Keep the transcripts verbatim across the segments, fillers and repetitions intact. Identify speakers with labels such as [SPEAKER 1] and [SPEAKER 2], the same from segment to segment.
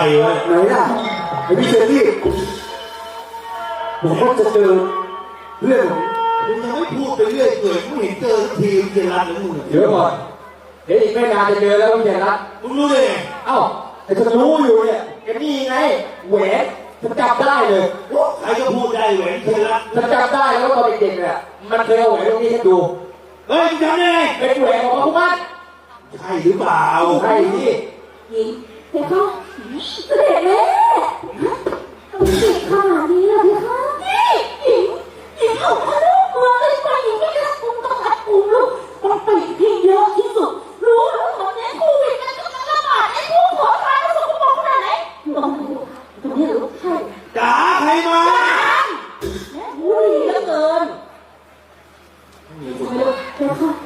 [SPEAKER 1] วะ
[SPEAKER 2] ไหนล่ะไอ้พี่เชอรี่ผมก็จะเจอเรื่อง
[SPEAKER 1] มึงยังไม่พูดไปเรื่อยเปื่อยมึงเห็นเจอทีมเจรันหรือมึง
[SPEAKER 3] เดี๋ยวก่อนเดี๋ยวอีกไม่นานจะเจอแล้วพี่เจรัน
[SPEAKER 1] มึงรู้ได้ไง
[SPEAKER 3] เอ้าแต่ฉันรู้อยู่เนี่ยแกนี่ไงแหวนฉันจำได้เลย
[SPEAKER 1] ใครก็พูดได้แหวนเจรัน
[SPEAKER 3] ฉันจำได้แล้วตอนเด็กๆเนี่ยมันเคยเอาแหวนตรงนี้ให้ดู
[SPEAKER 1] เฮ้ยจำได้ไง
[SPEAKER 3] เป็นแหวนของพระพุทธ
[SPEAKER 1] ใช่หรือเปล่า
[SPEAKER 3] ใช่ที่
[SPEAKER 4] หญิงเดี๋ยวเขาเสด็จแม่ทำไมเด็กขนาดนี้ล่ะพี่คะนี่หญิงหญิงเอาพลูกเมืองเลยไปหญิงไม่ได้คุมต้องอัดคุมลูกต้องไปที่เยอะที่สุดรู้แล้วตอนนี้โควิดมันกำลังระบาดไอ้พวกขอทานแล้วสกปรกขนาดไหนลองดูตรงนี้หรือใช่
[SPEAKER 1] จ๋าใครมา
[SPEAKER 4] แม่พูดดีเหลือเกินเดี๋ยวค่ะ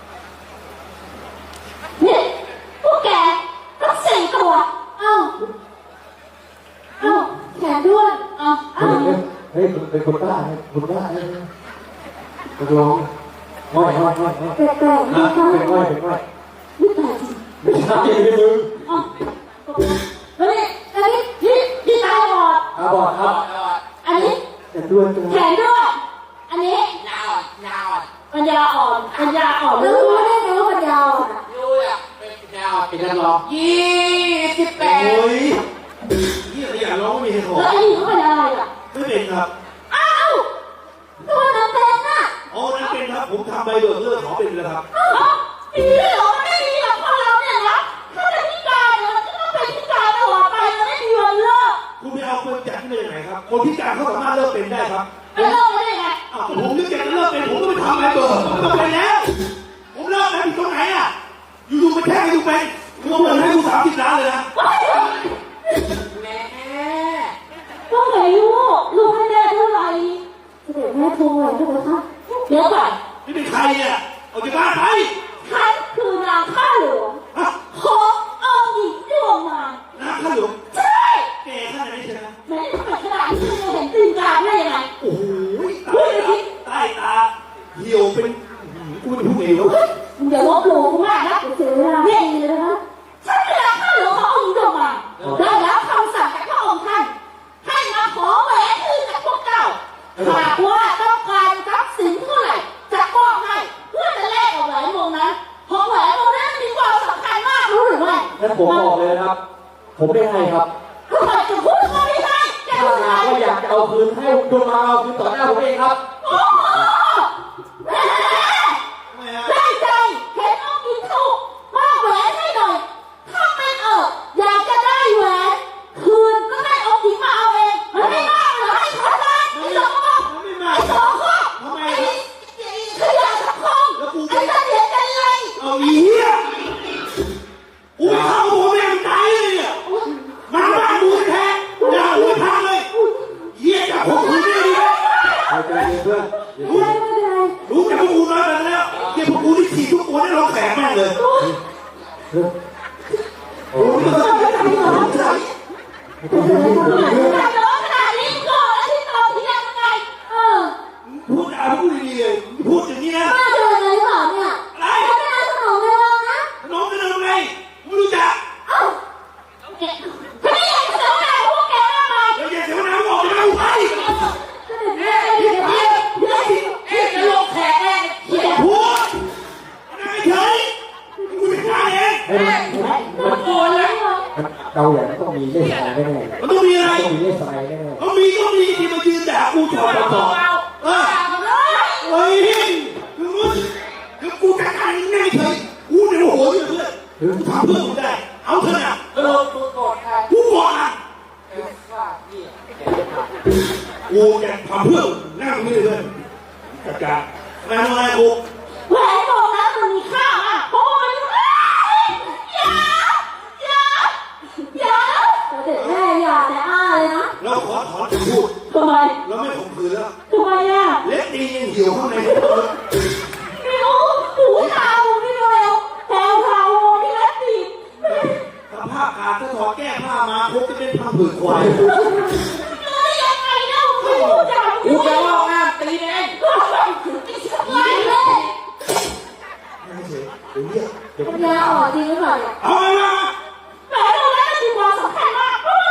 [SPEAKER 4] เนี่ยพวกแกต้องสี่ตัวเอ้าเอ้าแขนด้วนเอ้าเอ้า
[SPEAKER 3] เฮ้ยเป็นคนบ้าคนบ้าตกลงง่อยง่อยง่อยง่อย
[SPEAKER 4] แปลกๆนะคะ
[SPEAKER 3] เป็นง่อยเป็นง่อย
[SPEAKER 4] ไม่แปลกจริง
[SPEAKER 3] ไม่ใช่ไม่มึง
[SPEAKER 4] อ๋อแล้วนี่อันนี้พี่พี่ตาบอด
[SPEAKER 3] ตาบอดครับ
[SPEAKER 4] อันนี้
[SPEAKER 3] แขนด้วน
[SPEAKER 4] แขนด้วนอันนี้
[SPEAKER 5] ยาวอ่ะยาวอ่ะ
[SPEAKER 4] ปัญญาอ่อนปัญญาอ่อนแล้วรู้ได้ไงว่าปัญญาอ่อน
[SPEAKER 5] รู้อ่ะเป็นยาวเป็นนักร้องยี่สิบแปด
[SPEAKER 1] โอ้ยนี่อยากร้องไม่มีใครขอ
[SPEAKER 4] แล้วไอ้นี่เขาเป็นอะไรอ่ะ
[SPEAKER 1] ไม่เป็นครับ
[SPEAKER 4] อ้าวตัวน้ำเป็นน่ะ
[SPEAKER 1] อ๋อนั่นเป็นครับผมทำใบเบิกเลิกขอเป็นเลยครับ
[SPEAKER 4] อ๋อดีเหรอไม่ดีหรอกพอเราเนี่ยนะถ้าเป็นพิการเราจะต้องเป็นพิการตลอดไปเราไม่มีวันเลิก
[SPEAKER 1] คุณไปเอาคนจากที่ไหนไหนครับคนพิการเขาสามารถเลิกเป็นได้ครับ
[SPEAKER 4] ไม่เลิกได้ไง
[SPEAKER 1] อ้าวผมนึกอยากจะเลิกเป็นผมก็ไปทำใบเบิกผมต้องเป็นแล้วผมเลิกแล้วผิดตรงไหนอ่ะอยู่ๆไปแค่อยู่เป็นมึงเอาเงินให้กูสามสิบล้านเลยนะ
[SPEAKER 5] แม่
[SPEAKER 4] ก็ไหนลูกลูกให้แม่เท่าไหร่เดี๋ยวแม่โทรเลยใช่ไหมคะเดี๋ยวก่อน
[SPEAKER 1] นี่เป็นใครเนี่ยเอาจากบ้านไป
[SPEAKER 4] ฉันคือนางข้าหลวงขององค์หญิงดวงมาร
[SPEAKER 1] นางข้าหลวง
[SPEAKER 4] ใช่
[SPEAKER 1] แกขนาดนี้ใช่ไหม
[SPEAKER 4] แม่ทำไมขนาดที่จะเห็นตีนกาได้ยังไง
[SPEAKER 1] โอ้โหใต้ตาเหี่ยวเป็นกูเป็นผู้เอว
[SPEAKER 4] มึงอย่าลบหลู่กูมากนะเสียเวลาเพ่งเลยนะคะฉันเป็นนางข้าหลวงขององค์หญิงดวงมารได้รับคำสั่งจากพระองค์ท่านให้มาขอแหวนคืนจากพวกเจ้าหากว่าต้องการทรัพย์สินเท่าไหร่จะมอบให้เพื่อจะแลกกับแหวนวงนั้นเพราะแหวนวงนั้นมีความสำคัญมากรู้หรือไม่
[SPEAKER 3] งั้นผมบอกเลยครับผมไม่ให้ครับ
[SPEAKER 4] ทำไมจะพูดว่าไม่ให้
[SPEAKER 3] ถ้าหากว่าอยากจะเอาคืนให้ดวงมาเอาคืนต่อหน้าผมเองครับ
[SPEAKER 4] โอ้โหได้ใจเห็นน้องกินถูกมอบแหวนให้หน่อยถ้าเป็นเอออยากจะได้แหวนคืนก็ได้องค์หญิงมาเอาเองมันไม่มากหรอให้ขอได้ไม่หรอกไอ้สองข้อ
[SPEAKER 1] ทำไม
[SPEAKER 4] ขยะสังคมไอ้เสถียรกันไร
[SPEAKER 1] เอาอีเหี้ยกูไม่เข้าหัวแม่งตายเลยเนี่ยมาบ้านกูแท้ด่าหัวทางเลยเหี้ยจับผมคุณไม่ดี
[SPEAKER 3] เอาใจเพื่อน
[SPEAKER 4] ไม่เป็นไร
[SPEAKER 1] รู้จักพวกกูน้อยไปแล้วเหี้ยพวกกูที่ขี่ทุกคนได้ร้องแขกแม่งเลย
[SPEAKER 3] โอ้
[SPEAKER 4] ยไม่เป็นไรไม่ร้องขนาดนี้ก่อนแล้วที่ตอนที่ยังไงเออ
[SPEAKER 1] พูดอะไรพูดดีๆเลยพูดอย่างนี้นะ
[SPEAKER 4] ป้าเดินเลยหรอเนี่ย
[SPEAKER 1] อะไร
[SPEAKER 4] ไม่ได้ขนมเลยนะ
[SPEAKER 1] ขนมกันเลยไงไม่รู้จัก
[SPEAKER 4] เอ้าไม่ได้ขนมอะไรพวกแกมาไหม
[SPEAKER 1] เดี๋ยวอย่าเสียน้ำบอกจะเอาไป
[SPEAKER 4] เฮ้ยเฮ้ยเฮ้ยเฮ้ยเฮ้ยจะลงแขกแน่เขียน
[SPEAKER 1] พูดอะไรเฉยกูจะฆ่าเอง
[SPEAKER 4] มันโกรธแล้ว
[SPEAKER 3] เราอย่างต้องมีเลขสายแน่
[SPEAKER 1] ๆมันต้องมีอะไร
[SPEAKER 3] ต้องมีเลขสายแน่
[SPEAKER 1] ๆต้องมีต้องมีที่มายืนด่ากูถอดต่อเออเฮ้ยคือมึงคือกูจะฆ่าเองง่ายเฉยกูเนี่ยโมโหอยู่เพื่อนกูทำเพื่อนกูได้เอาเถอะนะ
[SPEAKER 5] เออกูโกรธใคร
[SPEAKER 1] กูโกรธอ่ะ
[SPEAKER 5] เออว่าพี่
[SPEAKER 1] กูจะทำเพื่อนนั่งไม่ได้เลยจัดการมาทำอะไรกู
[SPEAKER 4] แหวนวงนั้นมันมีค่ามากเพราะว่ามันอย่าอย่าอย่าเด็กแม่อย่าแต่อ้าเลยนะ
[SPEAKER 1] เราขอถอนคำพูด
[SPEAKER 4] ทำไม
[SPEAKER 1] เราไม่ข่มขืนแล้ว
[SPEAKER 4] ทำไมอ่ะ
[SPEAKER 1] เล็กตียังเหี่ยวข้างในตัว
[SPEAKER 4] ไม่รู้หูเทาพี่เร็วแถวเทาพี่เล็กตี
[SPEAKER 1] สภาพขาดถ้าถอดแก้ผ้ามาคงจะเป็นพังผืดควาย
[SPEAKER 4] เลยยังไงเล่าไม่รู้จัก
[SPEAKER 5] กูจะว่าง่ามตีเอง
[SPEAKER 4] ไม่เลย
[SPEAKER 1] ไม่เฉยเดี๋ยวเดี๋ยว
[SPEAKER 4] ปัญญาอ่อนจริงหรือเปล่า
[SPEAKER 1] เอาไปมา
[SPEAKER 4] แหวนวงนั้นมีความสำคัญมากเพราะ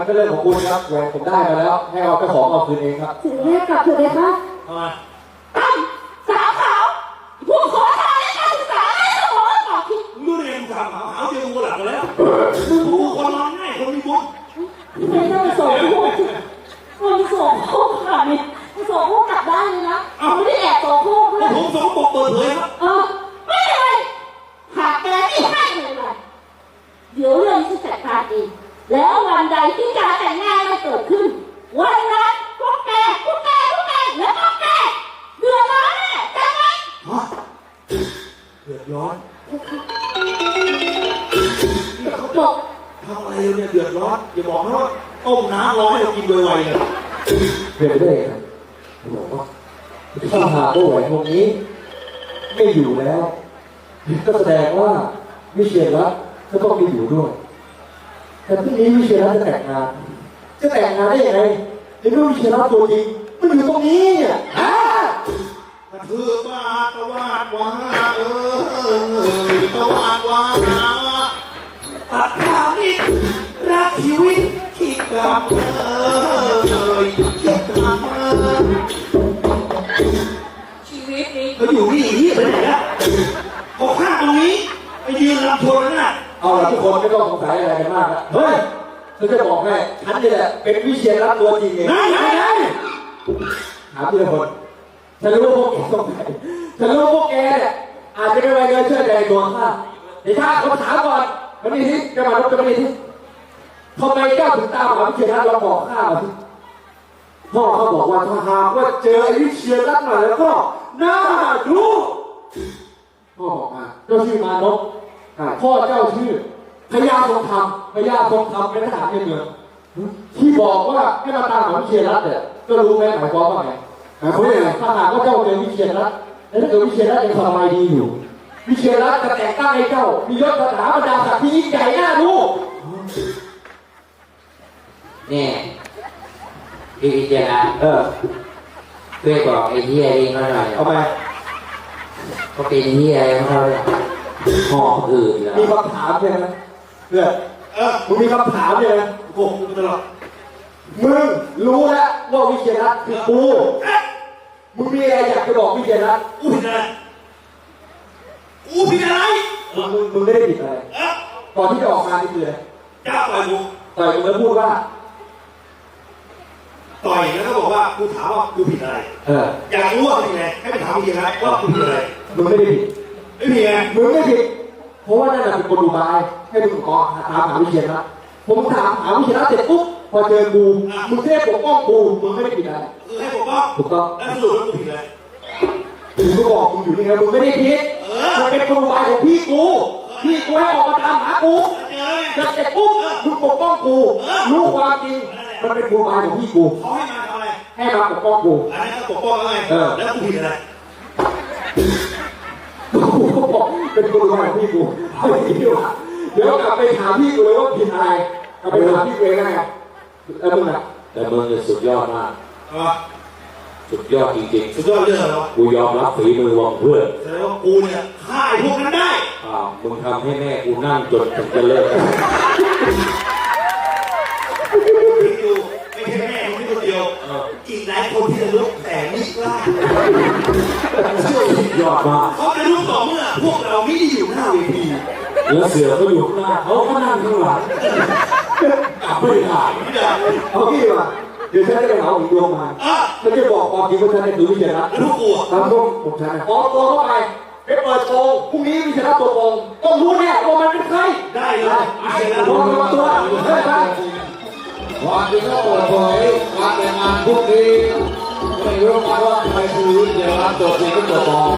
[SPEAKER 3] ก็เรื่องของคุณครับแหวนผมได้มาแล้วให้เอาเจ้าของเอาคืนเองครับ
[SPEAKER 4] เสด็จแม่กลับเถอะเลยค่ะ
[SPEAKER 1] ทำไม
[SPEAKER 4] ตั้มสาวขาวผู้ขอทานและการศึกษาให้สมองต่อที่
[SPEAKER 1] มึงดูเองถามหาหาเจอกูหลักกันแล้วมึงกูคนนอนง่ายคนมีบุญ
[SPEAKER 4] ไม่ได้มาส่งพวกมันส่งพวกขนาดนี้มันส่งพวกกลับได้เลยนะมันไม่ได้แอบส่งพวกด้วย
[SPEAKER 1] ผมสองบอกเปิดเผยครับ
[SPEAKER 4] เออไม่เป็นไรหากแกไม่ให้เลยเดี๋ยวเรื่องจะจัดการเองแล้ววันใดที่การแต่งงานมันเกิดขึ้นวันนั้นพวกแกพวกแกพวกแกและพวกแกเดือดร้อนแน่จำไว้
[SPEAKER 1] ฮะเดือดร้อน
[SPEAKER 4] เขาบอก
[SPEAKER 1] ทำอะไรเนี่ยเดือดร้อนอย่าบอกนะว่าต้มน้ำร้อนให้เรากินไวๆเลย
[SPEAKER 3] เรียนได้ครับบอกว่าถ้าหากว่าแหวนวงนี้ไม่อยู่แล้วก็แสดงว่าวิเชียรรัตน์ก็ต้องมีอยู่ด้วยแต่ที่นี้วิเชียรรัตน์จะแต่งงานจะแต่งงานได้ยังไงในเมื่อวิเชียรรัตน์ตัวจริงมันอยู่ตรงนี้เนี่ยอ่าก
[SPEAKER 1] ระทืบมาตะวาดวาเออตะวาดวาตัดขาดิรักชีวิตที่กลับเอยที่กลับมา
[SPEAKER 5] ชีวิตนี้
[SPEAKER 1] ก็อยู่นี่ที่ไปไหนละพอข้างตรงนี้ไปยืนรับโทรนั่นน่ะ
[SPEAKER 3] เอาละทุกคนไม่ต้องสงสัยอะไรกันมากนะเฮ้ยฉันจะบอกให้ฉันนี่แหละเป็นวิเชียรรัตน์ตัวจริงเอง
[SPEAKER 1] ไหนไหนไหน
[SPEAKER 3] ถามทีละคนฉันรู้ว่าพวกแกสงสัยฉันรู้ว่าพวกแกเนี่ยอาจจะไม่ไว้เงินเชื่อใจตัวข้าแต่ถ้าคนถามก่อนวันนี้ที่จะมาลบจะมาดีที่ทำไมเจ้าถึงตามหาวิเชียรรัตน์เราบอกข้ามาสิพ่อเขาบอกว่าถ้าหากว่าเจอไอ้วิเชียรรัตน์มาแล้วก็น่าดูพ่อบอกมาเจ้าชื่อมานพพ่อเจ้าชื่อพญาทรงธรรมพญาทรงธรรมเป็นทหารในเมืองที่บอกว่าให้มาตามหาวิเชียรรัตน์เนี่ยก็รู้ไหมหมายความว่าไงหมายความว่าไงถ้าหากว่าเจ้าเจอวิเชียรรัตน์แล้วถ้าเกิดวิเชียรรัตน์ยังสบายดีอยู่วิเชียรรัตน์จะแต่งตั้งให้เจ้ามียศสถาบรรดาศักดิ์ที่ยิ่งใหญ่น่าดู
[SPEAKER 5] เนี่ยพี่พิจารณา
[SPEAKER 3] เออ
[SPEAKER 5] ช่วยบอกไอ้เหี้ยเองหน่อย
[SPEAKER 3] เอาไป
[SPEAKER 5] เขาเป็นเหี้ยอะไรของเขาเนี่ยห่อหืดเหรอ
[SPEAKER 3] มีคำถามใช่ไหมเพื่อน
[SPEAKER 1] เออ
[SPEAKER 3] มึงมีคำถามใช่ไหม
[SPEAKER 1] โกหกกูตลอด
[SPEAKER 3] มึงรู้แล้วว่าวิเชียรรัตน์คือกูมึงมีอะไรอยากจะบอกวิเชียรรัตน์
[SPEAKER 1] กูผิดอะไรกูผิดอะไร
[SPEAKER 3] มึงมึงมึงไม่ได้ผิดอะไร
[SPEAKER 1] เออ
[SPEAKER 3] ก่อนที่จะออกมานี่คืออะไร
[SPEAKER 1] จ้าต่อยกู
[SPEAKER 3] ต่อยมึงแล้วพูดว่า
[SPEAKER 1] ต่อยแล้วก็บอกว่ากูถามว่ากูผิดอะไร
[SPEAKER 3] เออ
[SPEAKER 1] อยากรู้ว่าผิดอะไรให้ไปถามจริงนะว่ากูผิดอะไร
[SPEAKER 3] มึงไม่ได้ผิด
[SPEAKER 1] ไม่ผิดไง
[SPEAKER 3] มึงไม่ผิดเพราะว่านั่นแหละเป็นคนดูบายให้มึงก่อนถามหาวิเชียรรัตน์ผมถามหาวิเชียรรัตน์เสร็จปุ๊บพอเจอกูมึงเทพปกป้องกูมึงไม่ได้ผิดอะไร
[SPEAKER 1] คือให้ผมว่า
[SPEAKER 3] ถูกต้อง
[SPEAKER 1] แล้วสรุปว่ากูผิดอะไร
[SPEAKER 3] กูก็บอกมึงอยู่นี่ไงมึงไม่ได้ผิด
[SPEAKER 1] เออ
[SPEAKER 3] มันเป็นคนดูบายของพี่กูพี่กูให้ออกมาตามหากู
[SPEAKER 1] เจอไง
[SPEAKER 3] จะเสร็จปุ๊บมึงปกป้องกูรู้ความจริงมันเป็นคนดูบายของพี่กู
[SPEAKER 1] เขาให้มาทำอะไร
[SPEAKER 3] ให้มาปกป้องกู
[SPEAKER 1] อันนี้ก็ปกป้องแล้วไง
[SPEAKER 3] เออ
[SPEAKER 1] แล้วกูผิดอะไร
[SPEAKER 3] กูก็บอกเป็นคนดูบายของพี่กูเอาไปดีกว่าเดี๋ยวกลับไปถามพี่กูเลยว่าผิดอะไรกลับไปถามพี่กูเองไงแล้วมึงอ่ะ
[SPEAKER 2] แต่มึงเนี่ยสุดยอดมาก
[SPEAKER 1] เอาวะ
[SPEAKER 2] สุดยอดจริง
[SPEAKER 1] สุดยอดเรื่องอะไรวะ
[SPEAKER 2] ๆ กูยอมรับฝีมือวองเพื่อน
[SPEAKER 1] แสดงว่ากูเนี่ยฆ่าไอ้พวกนั้นได้
[SPEAKER 2] อ้าวมึงทำให้แม่กูนั่งจนถึงจะเลิก
[SPEAKER 1] คิดดูไม่ใช่แม่คนนี้คนเดียวอีกหลายคนที่จะลุกแต่ไม่กล้าเชื่อสิ
[SPEAKER 2] ยอดมาก
[SPEAKER 1] เขาจะลุกต่อเมื่อพวกเราไม่ได้อยู่หน้าเวที
[SPEAKER 2] แล้วเสือก็อยู่ข้างหน้าเขาก็นั่งข้างหลังกลับไม่ได้
[SPEAKER 1] ไม่ได้
[SPEAKER 3] เอาพี่ดีกว่าเดี๋ยวฉันจะไปหาอีกดวงมา
[SPEAKER 1] อ่ะ
[SPEAKER 3] ฉันจะบอกความจริงว่าฉันเนี่ยคือวิเชียรรัตน์
[SPEAKER 1] แล้วพวกกูอ่ะ
[SPEAKER 3] ตามพวกผมฉันนะขอตัวเข้าไปไปเปิดโปงพรุ่งนี้วิเชียรรัตน์ตัวโปงต้องรู้แน่ว่ามันเป็นใคร
[SPEAKER 1] ได้เลยไอ้เจ้า
[SPEAKER 3] ลองมาตัวเฮ้ยไป
[SPEAKER 2] ความจริงก็เปิดเผยการแต่งงานพวกนี้ไม่รู้มาว่าใครคือวิทยาลัยตัวจริงก็ตัวปลอม